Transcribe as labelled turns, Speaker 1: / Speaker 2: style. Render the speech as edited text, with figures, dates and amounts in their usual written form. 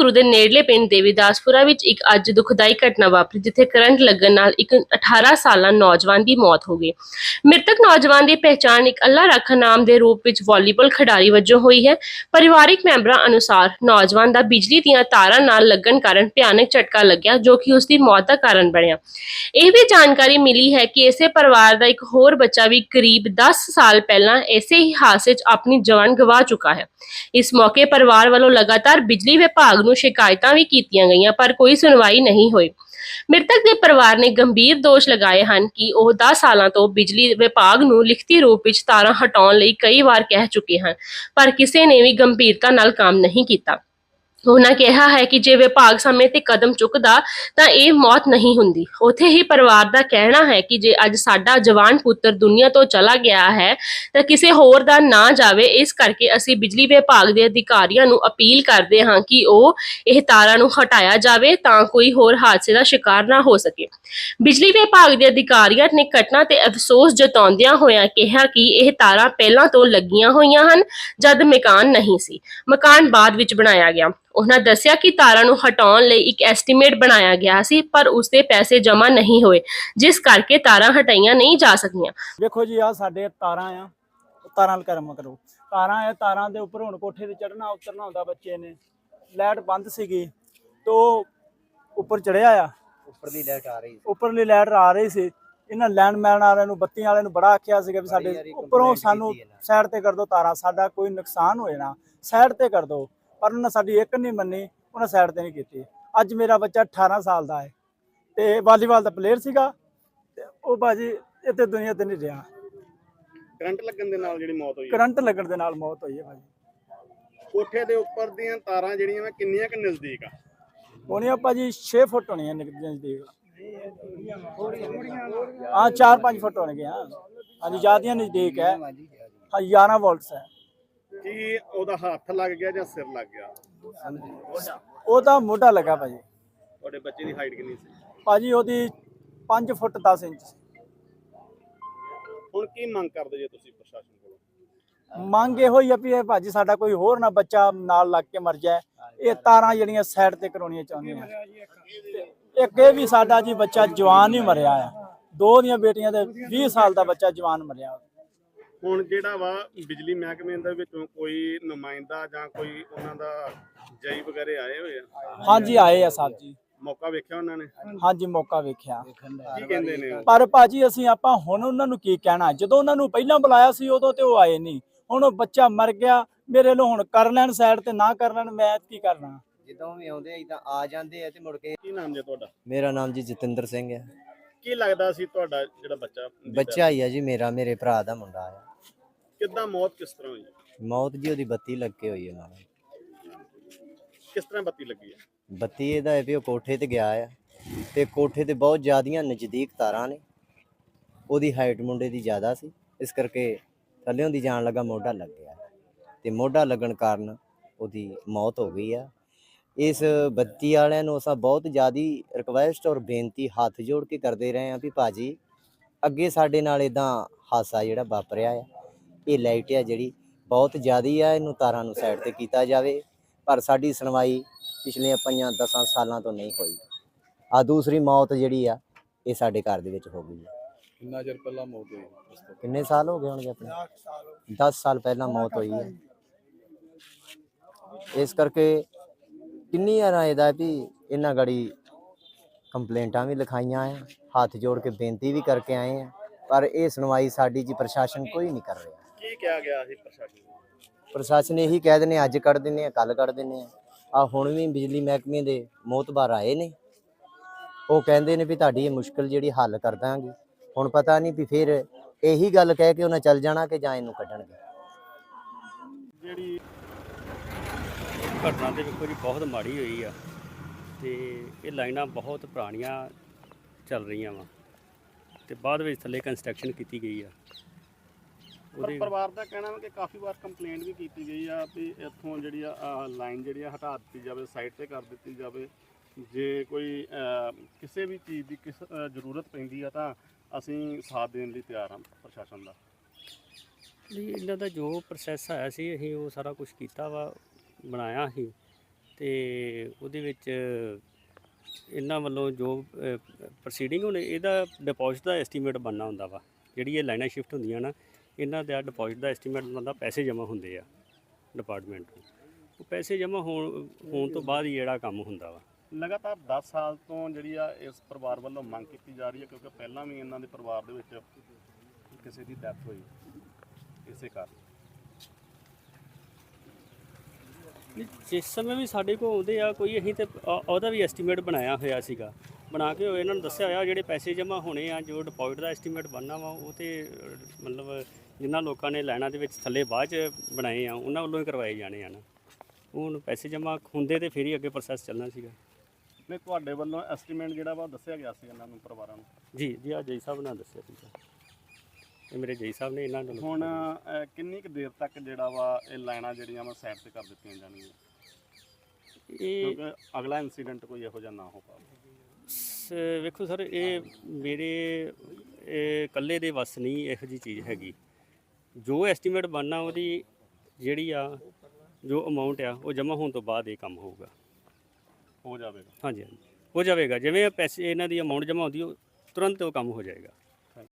Speaker 1: ਗੁਰੂ ਦੇ ਨੇੜਲੇ ਪਿੰਡ ਦੇਵੀਦਾਸਪੁਰਾ ਵਿੱਚ ਇੱਕ ਅੱਜ ਦੁਖਦਾਈ ਘਟਨਾ ਵਾਪਰੀ, ਜਿੱਥੇ ਕਰੰਟ ਲੱਗਣ ਨਾਲ ਇੱਕ 18 ਸਾਲਾ ਨੌਜਵਾਨ ਦੀ ਮੌਤ ਹੋ ਗਈ। ਮ੍ਰਿਤਕ ਨੌਜਵਾਨ ਦੀ ਪਹਿਚਾਣ ਇੱਕ ਅੱਲਾ ਰਾਖਾ ਨਾਮ ਦੇ ਰੂਪ ਵਿੱਚ ਵਾਲੀਬਾਲ ਖਿਡਾਰੀ ਵਜੋਂ ਹੋਈ ਹੈ। ਪਰਿਵਾਰਿਕ ਮੈਂਬਰਾਂ ਅਨੁਸਾਰ ਨੌਜਵਾਨ ਦਾ ਬਿਜਲੀ ਦੀਆਂ ਤਾਰਾਂ ਨਾਲ ਲੱਗਣ ਕਾਰਨ ਭਿਆਨਕ ਝਟਕਾ ਲੱਗਿਆ, ਜੋ ਕਿ ਉਸ ਦੀ ਮੌਤ ਦਾ ਕਾਰਨ ਬਣਿਆ। ਇਹ ਵੀ ਜਾਣਕਾਰੀ ਮਿਲੀ ਹੈ ਕਿ ਇਸੇ ਪਰਿਵਾਰ ਦਾ ਇੱਕ ਹੋਰ ਬੱਚਾ ਵੀ ਕਰੀਬ 10 ਸਾਲ ਪਹਿਲਾਂ ਇਸੇ ਹੀ ਹਾਦਸੇ 'ਚ ਆਪਣੀ ਜਾਨ ਗਵਾ ਚੁੱਕਾ ਹੈ। ਇਸ ਮੌਕੇ ਪਰਿਵਾਰ ਵੱਲੋਂ ਲਗਾਤਾਰ ਬਿਜਲੀ ਵਿਭਾਗ ਨੂੰ ਸ਼ਿਕਾਇਤਾਂ ਵੀ ਕੀਤੀਆਂ ਗਈਆਂ, ਪਰ ਕੋਈ ਸੁਣਵਾਈ ਨਹੀਂ ਹੋਈ। ਮ੍ਰਿਤਕ ਦੇ ਪਰਿਵਾਰ ਨੇ ਗੰਭੀਰ ਦੋਸ਼ ਲਗਾਏ ਹਨ ਕਿ ਉਹ 10 ਸਾਲਾਂ ਤੋਂ ਬਿਜਲੀ ਵਿਭਾਗ ਨੂੰ ਲਿਖਤੀ ਰੂਪ ਵਿੱਚ ਤਾਰਾਂ ਹਟਾਉਣ ਲਈ ਕਈ ਵਾਰ ਕਹਿ ਚੁੱਕੇ ਹਨ, ਪਰ ਕਿਸੇ ਨੇ ਵੀ ਗੰਭੀਰਤਾ ਨਾਲ ਕੰਮ ਨਹੀਂ ਕੀਤਾ। ਉਹਨਾਂ ਕਿਹਾ ਹੈ ਕਿ ਜੇ ਵਿਭਾਗ ਸਮੇਂ ਤੇ ਕਦਮ ਚੁੱਕਦਾ ਤਾਂ ਇਹ ਮੌਤ ਨਹੀਂ ਹੁੰਦੀ। ਉੱਥੇ ਹੀ ਪਰਿਵਾਰ ਦਾ ਕਹਿਣਾ ਹੈ ਕਿ ਜੇ ਅੱਜ ਸਾਡਾ ਜਵਾਨ ਪੁੱਤਰ ਦੁਨੀਆ ਤੋਂ ਚਲਾ ਗਿਆ ਹੈ ਤਾਂ ਕਿਸੇ ਹੋਰ ਦਾ ਨਾ ਜਾਵੇ। ਇਸ ਕਰਕੇ ਅਸੀਂ ਬਿਜਲੀ ਵਿਭਾਗ ਦੇ ਅਧਿਕਾਰੀਆਂ ਨੂੰ ਅਪੀਲ ਕਰਦੇ ਹਾਂ ਕਿ ਉਹ ਇਹ ਤਾਰਾਂ ਨੂੰ ਹਟਾਇਆ ਜਾਵੇ ਤਾਂ ਕੋਈ ਹੋਰ ਹਾਦਸੇ ਦਾ ਸ਼ਿਕਾਰ ਨਾ ਹੋ ਸਕੇ। ਬਿਜਲੀ ਵਿਭਾਗ ਦੇ ਅਧਿਕਾਰੀਆਂ ਨੇ ਘਟਨਾ ਤੇ ਅਫਸੋਸ ਜਤਾਉਂਦਿਆਂ ਹੋਇਆਂ ਕਿਹਾ ਕਿ ਇਹ ਤਾਰਾਂ ਪਹਿਲਾਂ ਤੋਂ ਲੱਗੀਆਂ ਹੋਈਆਂ ਹਨ, ਜਦ ਮਕਾਨ ਨਹੀਂ ਸੀ। ਮਕਾਨ ਬਾਅਦ ਵਿੱਚ ਬਣਾਇਆ ਗਿਆ। ਉਹਨਾਂ ਦੱਸਿਆ ਕਿ ਤਾਰਾਂ ਨੂੰ ਹਟਾਉਣ ਲਈ ਇੱਕ ਐਸਟੀਮੇਟ ਬਣਾਇਆ ਗਿਆ ਸੀ, ਪਰ ਉਸ ਦੇ ਪੈਸੇ ਜਮ੍ਹਾਂ ਨਹੀਂ ਹੋਏ, ਜਿਸ ਕਰਕੇ ਤਾਰਾਂ ਹਟਾਈਆਂ ਨਹੀਂ ਜਾ ਸਕੀਆਂ।
Speaker 2: ਵੇਖੋ ਜੀ, ਆ ਸਾਡੇ ਤਾਰਾਂ ਆ, ਤਾਰਾਂ ਕਰਮ ਕਰੋ, ਤਾਰਾਂ ਆ, ਤਾਰਾਂ ਦੇ ਉੱਪਰ ਹੁਣ ਕੋਠੇ ਤੇ ਚੜਨਾ ਉਤਰਨਾ ਹੁੰਦਾ। ਬੱਚੇ ਨੇ ਲਾਈਟ ਬੰਦ ਸੀਗੀ ਤੇ ਉੱਪਰ ਚੜਿਆ ਆ, ਉੱਪਰਲੀ ਲਾਈਟ ਆ ਰਹੀ ਸੀ। ਇਹਨਾਂ ਲੈਂਡਮੈਨ ਵਾਲਿਆਂ ਨੂੰ, ਬੱਤੀਆਂ ਵਾਲਿਆਂ ਨੂੰ ਬੜਾ ਆਖਿਆ ਸੀਗਾ ਵੀ ਸਾਡੇ ਉੱਪਰੋਂ ਸਾਨੂੰ ਸਾਈਡ ਤੇ ਕਰ ਦਿਓ ਤਾਰਾਂ, ਸਾਡਾ ਕੋਈ ਨੁਕਸਾਨ ਹੋਏ ਨਾ, ਸਾਈਡ ਤੇ ਕਰ ਦਿਓ। ਪਰ ਉਹਨਾਂ ਸਾਡੀ ਇੱਕ ਨਹੀਂ ਮੰਨੀ, ਉਹਨਾਂ ਸਾਈਡ ਤੇ ਨਹੀਂ ਕੀਤੀ। ਅੱਜ ਮੇਰਾ ਬੱਚਾ 18 ਸਾਲ ਦਾ ਹੈ ਤੇ ਵਾਲੀਬਾਲ ਦਾ ਪਲੇਅਰ ਸੀਗਾ ਤੇ ਉਹ ਬਾਜੀ ਇੱਥੇ ਦੁਨੀਆ ਤੇ ਨਹੀਂ ਰਿਹਾ।
Speaker 3: ਕਰੰਟ ਲੱਗਣ ਦੇ ਨਾਲ ਜਿਹੜੀ ਮੌਤ ਹੋਈ,
Speaker 2: ਕਰੰਟ ਲੱਗਣ ਦੇ ਨਾਲ ਮੌਤ ਹੋਈ ਹੈ ਭਾਜੀ।
Speaker 3: ਕੋਠੇ ਦੇ ਉੱਪਰ ਦੀਆਂ ਤਾਰਾਂ ਜਿਹੜੀਆਂ ਵਾ ਕਿੰਨੀਆਂ ਕਿ ਨਜ਼ਦੀਕ ਆ?
Speaker 2: ਹੋਣੀਆਂ ਭਾਜੀ 6 ਫੁੱਟ ਹੋਣੀਆਂ ਨਜ਼ਦੀਕ। ਹਾਂ 4-5 ਫੁੱਟ ਹੋਣਗੇ। ਹਾਂਜੀ ਜ਼ਿਆਦੀਆਂ ਨਜ਼ਦੀਕ ਹੈ। ਹਾਂ 11 ਵੋਲਟਸ ਹੈ।
Speaker 3: ਕੀ ਉਹਦਾ ਹੱਥ ਲੱਗ ਗਿਆ ਜਾਂ ਸਿਰ ਲੱਗ ਗਿਆ?
Speaker 2: ਉਹਦਾ ਮੋਢਾ ਲੱਗਾ ਭਾਜੀ।
Speaker 3: ਤੁਹਾਡੇ ਬੱਚੇ ਦੀ ਹਾਈਟ ਕਿੰਨੀ ਸੀ?
Speaker 2: ਭਾਜੀ ਉਹਦੀ 5 ਫੁੱਟ 10 ਇੰਚ ਸੀ।
Speaker 3: ਹੁਣ ਕੀ ਮੰਗ ਕਰਦੇ ਜੇ ਤੁਸੀਂ ਪ੍ਰਸ਼ਾਸਨ ਕੋਲੋਂ?
Speaker 2: ਮੰਗ ਇਹੋ ਹੀ ਆ ਵੀ ਇਹ ਭਾਜੀ ਸਾਡਾ ਕੋਈ ਹੋਰ ਨਾ ਬੱਚਾ ਨਾਲ ਲੱਗ ਕੇ ਮਰ ਜਾਏ। ਇਹ ਤਾਰਾਂ ਜਿਹੜੀਆਂ ਸਾਈਡ ਤੇ ਕਰਾਉਣੀਆਂ ਚਾਹੁੰਦੇ ਆ। ਇੱਕ ਇਹ ਵੀ ਸਾਡਾ ਜੀ ਬੱਚਾ ਜਵਾਨ ਹੀ ਮਰਿਆ ਆ। ਦੋ ਦੀਆਂ ਬੇਟੀਆਂ ਦੇ 20 ਸਾਲ ਦਾ ਬੱਚਾ ਜਵਾਨ ਮਰਿਆ।
Speaker 3: ਹੁਣ ਜਿਹੜਾ ਵਾ ਬਿਜਲੀ ਮਹਿਕਮੇ ਦੇ ਵਿੱਚੋਂ ਕੋਈ ਨੁਮਾਇੰਦਾ ਜਾਂ ਕੋਈ ਉਹਨਾਂ ਦਾ ਜਈ ਵਗੈਰੇ ਆਏ ਹੋਏ ਆ?
Speaker 2: ਹਾਂਜੀ ਆਏ ਆ ਸਾਹਿਬ ਜੀ।
Speaker 3: ਮੌਕਾ ਵੇਖਿਆ ਉਹਨਾਂ ਨੇ?
Speaker 2: ਹਾਂਜੀ ਮੌਕਾ ਵੇਖਿਆ।
Speaker 3: ਕੀ ਕਹਿੰਦੇ ਨੇ?
Speaker 2: ਪਰ ਭਾਜੀ ਆਪਾਂ ਹੁਣ ਉਹਨਾਂ ਨੂੰ ਕੀ ਕਹਿਣਾ, ਜਦੋਂ ਉਹਨਾਂ ਨੂੰ ਪਹਿਲਾਂ ਬੁਲਾਇਆ ਸੀ ਉਦੋਂ ਤੇ ਉਹ ਆਏ ਨਹੀਂ। ਹੁਣ ਉਹ ਬੱਚਾ ਮਰ ਗਿਆ, ਮੇਰੇ ਲੋ ਹੁਣ ਕਰ ਲੈਣ ਸਾਈਡ ਤੇ ਨਾ ਕਰ ਲੈਣ, ਮੈਂ ਕੀ ਕਰਨਾ।
Speaker 4: ਜਦੋਂ ਵੀ ਆਉਂਦੇ ਇਦਾਂ ਆ ਜਾਂਦੇ ਆ ਤੇ ਮੁੜ ਕੇ।
Speaker 3: ਕੀ ਨਾਮ ਜੇ ਤੁਹਾਡਾ?
Speaker 4: ਮੇਰਾ ਨਾਮ ਜੀ ਜਤਿੰਦਰ ਸਿੰਘ ਹੈ।
Speaker 3: ਕੀ ਲੱਗਦਾ ਸੀ ਤੁਹਾਡਾ ਜਿਹੜਾ
Speaker 4: ਬੱਚਾ ਹੀ ਆ ਜੀ, ਮੇਰੇ ਭਰਾ ਦਾ ਮੁੰਡਾ ਆ।
Speaker 3: ਕਿੱਦਾਂ ਮੌਤ ਕਿਸ ਤਰ੍ਹਾਂ ਹੋਈ?
Speaker 4: ਮੌਤ ਜੀ ਉਹਦੀ ਬੱਤੀ ਲੱਗ ਕੇ ਹੋਈ ਹੈ ਨਾਲ।
Speaker 3: ਕਿਸ ਤਰ੍ਹਾਂ ਬੱਤੀ ਲੱਗੀ ਹੈ?
Speaker 4: ਬੱਤੀ ਇਹਦਾ ਹੈ ਵੀ ਉਹ ਕੋਠੇ ਤੇ ਗਿਆ ਆ ਤੇ ਕੋਠੇ ਤੇ ਬਹੁਤ ਜ਼ਿਆਦੀਆਂ ਨਜ਼ਦੀਕ ਤਾਰਾਂ ਨੇ। ਉਹਦੀ ਹਾਈਟ ਮੁੰਡੇ ਦੀ ਜ਼ਿਆਦਾ ਸੀ, ਇਸ ਕਰਕੇ ਥੱਲਿਓਂ ਦੀ ਜਾਣ ਲੱਗਾ ਮੋਢਾ ਲੱਗ ਗਿਆ ਤੇ ਮੋਢਾ ਲੱਗਣ ਕਾਰਨ ਉਹਦੀ ਮੌਤ ਹੋ ਗਈ ਆ। ਇਸ ਬੱਤੀ ਵਾਲਿਆਂ ਨੂੰ ਅਸਾਂ ਬਹੁਤ ਜ਼ਿਆਦਾ ਰਿਕੁਐਸਟ ਔਰ ਬੇਨਤੀ ਹੱਥ ਜੋੜ ਕੇ ਕਰਦੇ ਰਹੇ ਹਾਂ ਵੀ ਭਾਜੀ ਅੱਗੇ ਸਾਡੇ ਨਾਲ ਇਦਾਂ ਹਾਦਸਾ ਜਿਹੜਾ ਵਾਪਰਿਆ ਆ, ਇਹ ਲਾਈਟ ਆ ਜਿਹੜੀ ਬਹੁਤ ਜ਼ਿਆਦਾ ਆ, ਇਹਨੂੰ ਤਾਰਾਂ ਨੂੰ ਸਾਈਡ ਤੇ ਕੀਤਾ ਜਾਵੇ। ਪਰ ਸਾਡੀ ਸੁਣਵਾਈ ਪਿਛਲੀਆਂ 5-10 ਸਾਲਾਂ ਤੋਂ ਨਹੀਂ ਹੋਈ। ਆ ਦੂਸਰੀ ਮੌਤ ਜਿਹੜੀ ਆ ਇਹ ਸਾਡੇ ਘਰ ਦੇ ਵਿੱਚ ਹੋ ਗਈ ਹੈ।
Speaker 3: ਕਿੰਨਾ ਚਿਰ ਪਹਿਲਾਂ ਮੌਤ ਹੋਈ?
Speaker 4: ਕਿੰਨੇ ਸਾਲ ਹੋ ਗਏ ਹੋਣਗੇ? ਆਪਣੇ 10 ਸਾਲ ਪਹਿਲਾਂ ਮੌਤ ਹੋਈ ਹੈ। ਇਸ ਕਰਕੇ ਕਿੰਨੀ ਵਾਰ ਇਹਦਾ ਵੀ ਇਹਨਾਂ ਗਾੜੀ ਕੰਪਲੇਂਟਾਂ ਵੀ ਲਿਖਾਈਆਂ ਆ, ਹੱਥ ਜੋੜ ਕੇ ਬੇਨਤੀ ਵੀ ਕਰਕੇ ਆਏ ਆ, ਪਰ ਇਹ ਸੁਣਵਾਈ ਸਾਡੀ ਜੀ ਪ੍ਰਸ਼ਾਸਨ ਕੋਈ ਨਹੀਂ ਕਰ ਰਿਹਾ।
Speaker 3: ਕੀ ਕਿਹਾ ਗਿਆ ਸੀ ਪ੍ਰਸ਼ਾਸਨ ਨੂੰ?
Speaker 4: ਪ੍ਰਸ਼ਾਸਨ ਇਹੀ ਕਹਿ ਦਿੰਦੇ ਅੱਜ ਕੱਢ ਦਿੰਦੇ ਆ, ਕੱਲ ਕੱਢ ਦਿੰਦੇ ਆ। ਹੁਣ ਵੀ ਬਿਜਲੀ ਮਹਿਕਮੇ ਦੇ ਮੋਹਤਬਾਰ ਆਏ ਨੇ, ਉਹ ਕਹਿੰਦੇ ਨੇ ਵੀ ਤੁਹਾਡੀ ਇਹ ਮੁਸ਼ਕਿਲ ਜਿਹੜੀ ਹੱਲ ਕਰ ਦਾਂਗੇ। ਹੁਣ ਪਤਾ ਨਹੀਂ ਵੀ ਫਿਰ ਇਹੀ ਗੱਲ ਕਹਿ ਕੇ ਉਹਨਾਂ ਚੱਲ ਜਾਣਾ ਕਿ ਜਾਂ ਇਹਨੂੰ ਕੱਢਣਗੇ।
Speaker 3: ਜਿਹੜੀ ਘਟਨਾ ਤੇ ਵੇਖੋ ਜੀ ਬਹੁਤ ਮਾੜੀ ਹੋਈ ਆ ਤੇ ਇਹ ਲਾਈਨਾਂ ਬਹੁਤ ਪੁਰਾਣੀਆਂ ਚੱਲ ਰਹੀਆਂ ਵਾ ਤੇ ਬਾਅਦ ਵਿੱਚ ਥੱਲੇ ਕੰਸਟਰਕਸ਼ਨ ਕੀਤੀ ਗਈ ਆ। ਉਹਦੇ ਪਰਿਵਾਰ ਦਾ ਕਹਿਣਾ ਵਾ ਕਿ ਕਾਫੀ ਵਾਰ ਕੰਪਲੇਂਟ ਵੀ ਕੀਤੀ ਗਈ ਆ ਵੀ ਇੱਥੋਂ ਜਿਹੜੀ ਆ ਲਾਈਨ ਜਿਹੜੀ ਆ ਹਟਾ ਦਿੱਤੀ ਜਾਵੇ, ਸਾਈਡ ਤੇ ਕਰ ਦਿੱਤੀ ਜਾਵੇ। ਜੇ ਕੋਈ ਕਿਸੇ ਵੀ ਚੀਜ਼ ਦੀ ਜ਼ਰੂਰਤ ਪੈਂਦੀ ਆ ਤਾਂ ਅਸੀਂ ਸਾਥ ਦੇਣ ਲਈ ਤਿਆਰ ਹਾਂ ਪ੍ਰਸ਼ਾਸਨ ਦਾ।
Speaker 5: ਇਹਨਾਂ ਦਾ ਜੋ ਪ੍ਰੋਸੈਸ ਆਇਆ ਸੀ ਅਸੀਂ ਉਹ ਸਾਰਾ ਕੁਝ ਕੀਤਾ ਵਾ, ਬਣਾਇਆ ਸੀ
Speaker 3: ਤੇ ਉਹਦੇ ਵਿੱਚ ਇਹਨਾਂ ਵੱਲੋਂ ਜੋ ਪ੍ਰੋਸੀਡਿੰਗ ਹੁਣ ਇਹਦਾ ਡਿਪੋਜ਼ਿਟ ਦਾ ਐਸਟੀਮੇਟ ਬਣਨਾ ਹੁੰਦਾ ਵਾ। ਜਿਹੜੀ ਇਹ ਲਾਈਨਾਂ ਸ਼ਿਫਟ ਹੁੰਦੀਆਂ ਨਾ, ਇਹਨਾਂ ਦਾ ਡਿਪੋਜ਼ਿਟ ਦਾ ਐਸਟੀਮੇਟ ਬਣਦਾ, ਪੈਸੇ ਜਮ੍ਹਾਂ ਹੁੰਦੇ ਆ ਡਿਪਾਰਟਮੈਂਟ ਨੂੰ। ਉਹ ਪੈਸੇ ਜਮ੍ਹਾਂ ਹੋਣ ਤੋਂ ਬਾਅਦ ਹੀ ਜਿਹੜਾ ਕੰਮ ਹੁੰਦਾ ਵਾ।
Speaker 5: ਲਗਾਤਾਰ 10 ਸਾਲ ਤੋਂ ਜਿਹੜੀ ਆ ਇਸ ਪਰਿਵਾਰ ਵੱਲੋਂ ਮੰਗ ਕੀਤੀ ਜਾ ਰਹੀ ਹੈ, ਕਿਉਂਕਿ ਪਹਿਲਾਂ ਵੀ ਇਹਨਾਂ ਦੇ ਪਰਿਵਾਰ ਦੇ ਵਿੱਚ ਕਿਸੇ ਦੀ ਡੈਥ ਹੋਈ ਇਸੇ ਕਾਰਨ।
Speaker 3: ਜਿਸ ਸਮੇਂ ਵੀ ਸਾਡੇ ਕੋਲ ਆਉਂਦੇ ਆ ਕੋਈ, ਅਸੀਂ ਤੇ ਉਹਦਾ ਵੀ ਐਸਟੀਮੇਟ ਬਣਾਇਆ ਹੋਇਆ ਸੀਗਾ, ਬਣਾ ਕੇ ਇਹਨਾਂ ਨੂੰ ਦੱਸਿਆ ਹੋਇਆ ਜਿਹੜੇ ਪੈਸੇ ਜਮ੍ਹਾਂ ਹੋਣੇ ਆ, ਜੋ ਡਿਪੋਜ਼ਿਟ ਦਾ ਐਸਟੀਮੇਟ ਬਣਨਾ ਵਾ, ਉਹ ਤੇ ਮਤਲਬ ਜਿਨ੍ਹਾਂ ਲੋਕਾਂ ਨੇ ਲਾਈਨਾਂ ਦੇ ਵਿੱਚ ਥੱਲੇ ਬਾਅਦ 'ਚ ਬਣਾਏ ਆ ਉਹਨਾਂ ਵੱਲੋਂ ਹੀ ਕਰਵਾਏ ਜਾਣੇ ਆ ਨਾ। ਹੁਣ ਪੈਸੇ ਜਮ੍ਹਾਂ ਹੁੰਦੇ ਤੇ ਫਿਰ ਹੀ ਅੱਗੇ ਪ੍ਰੋਸੈਸ ਚੱਲਣਾ ਸੀਗਾ।
Speaker 5: ਨਹੀਂ, ਤੁਹਾਡੇ ਵੱਲੋਂ ਐਸਟੀਮੇਟ ਜਿਹੜਾ ਵਾ ਦੱਸਿਆ ਗਿਆ ਸੀ ਇਹਨਾਂ ਨੂੰ, ਪਰਿਵਾਰਾਂ ਨੂੰ?
Speaker 3: ਜੀ ਆ ਜੈ ਸਾਹਿਬ ਨਾਲ ਦੱਸਿਆ ਸੀਗਾ, ਇਹ ਮੇਰੇ ਜੈ ਸਾਹਿਬ ਨੇ ਇਹਨਾਂ ਨੂੰ।
Speaker 5: ਹੁਣ ਕਿੰਨੀ ਕੁ ਦੇਰ ਤੱਕ ਜਿਹੜਾ ਵਾ ਇਹ ਲਾਈਨਾਂ ਜਿਹੜੀਆਂ ਵਾ ਸਾਈਡ ਤੇ ਕਰ ਦਿੱਤੀਆਂ ਜਾਣਗੀਆਂ,
Speaker 3: ਇਹ
Speaker 5: ਕਿਉਂਕਿ ਅਗਲਾ ਇਨਸੀਡੈਂਟ ਕੋਈ ਇਹੋ ਜਿਹਾ ਨਾ ਹੋ ਪਾਵੇ?
Speaker 3: ਵੇਖੋ ਸਰ, ਇਹ ਮੇਰੇ ਇਕੱਲੇ ਦੇ ਵੱਸ ਨਹੀਂ ਇਹੋ ਜਿਹੀ ਚੀਜ਼ ਹੈਗੀ। ਜੋ ਐਸਟੀਮੇਟ ਬਣਨਾ ਉਹਦੀ ਜਿਹੜੀ ਆ ਜੋ ਅਮਾਊਂਟ ਆ ਉਹ ਜਮ੍ਹਾਂ ਹੋਣ ਤੋਂ ਬਾਅਦ ਇਹ ਕੰਮ ਹੋਊਗਾ।
Speaker 5: ਹੋ ਜਾਵੇਗਾ?
Speaker 3: ਹਾਂਜੀ ਹੋ ਜਾਵੇਗਾ। ਜਿਵੇਂ ਪੈਸੇ ਇਹਨਾਂ ਦੀ ਅਮਾਊਂਟ ਜਮ੍ਹਾਂ ਹੁੰਦੀ ਉਹ ਤੁਰੰਤ ਉਹ ਕੰਮ ਹੋ ਜਾਏਗਾ।